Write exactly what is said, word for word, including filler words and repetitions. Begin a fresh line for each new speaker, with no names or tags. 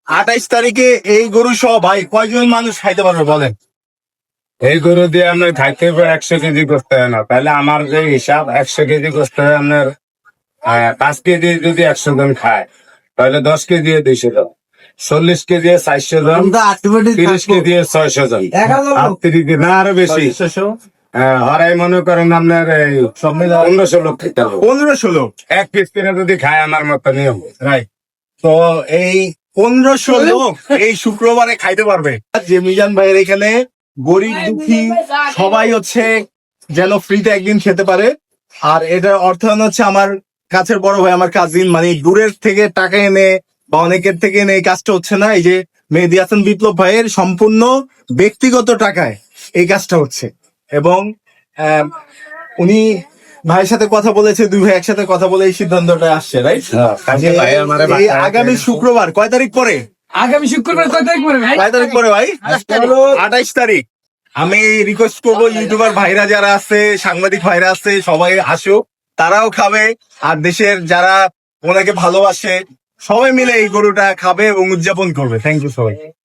আঠাইশ তারিখে এই গরু সহ ভাই কয়জন মানুষ খাইতে পারবে বলেন?
এই গরু দিয়ে আপনার খাইতে হবে একশো কেজি করতে হয় না, তাহলে আমার যে হিসাব একশো কেজি করতে হয় আপনার আহ, পাঁচ কেজি যদি একশো জন খায় তাহলে দশ কেজি দুইশো জন, চল্লিশ কেজি চারশো জন, তিরিশ কেজি ছয়শো জন, আটত্রিশ না আরো বেশি। হ্যাঁ, হরাই মনে করেন আপনার এই পনেরোশো লোক খেতে হবে।
পনেরোশো লোক
এক পিস করে যদি খায় আমার মতো নিয়ম।
রাইট। তো এই পনেরোশো লোক এই শুক্রবারে খাইতে পারবে। যে মিজান ভাইয়ের এখানে গরিব দুঃখী সবাই হচ্ছে যেন ফ্রিতে একদিন খেতে পারে। আর এটার অর্থায়ন হচ্ছে আমার কাছের বড় ভাই, আমার কাজিন, মানে দূরের থেকে টাকা এনে বা অনেকের থেকে এনে এই কাজটা হচ্ছে না। এই যে মেহেদী হাসান বিপ্লব ভাইয়ের সম্পূর্ণ ব্যক্তিগত টাকায় এই কাজটা হচ্ছে। এবং আহ, উনি ভাইয়ের সাথে কথা বলেছে, দুই ভাই একসাথে কথা বলে এই সিদ্ধান্তটা আসছে, রাইট?
কাজে ভাই আমারে
এই আগামী শুক্রবার কয় তারিখ পরে?
আগামী শুক্রবার কয় তারিখ পরে ভাই?
কয় তারিখ পরে ভাই? আঠাইশ তারিখ। আমি রিকোয়েস্ট করবো ইউটিউবার ভাইরা যারা আছে, সাংবাদিক ভাইরা আছে, সবাই আসুক, তারাও খাবে। আর দেশের যারা ওনাকে ভালোবাসে সবাই মিলে এই গরুটা খাবে এবং উদযাপন করবে। থ্যাংক ইউ সবাই।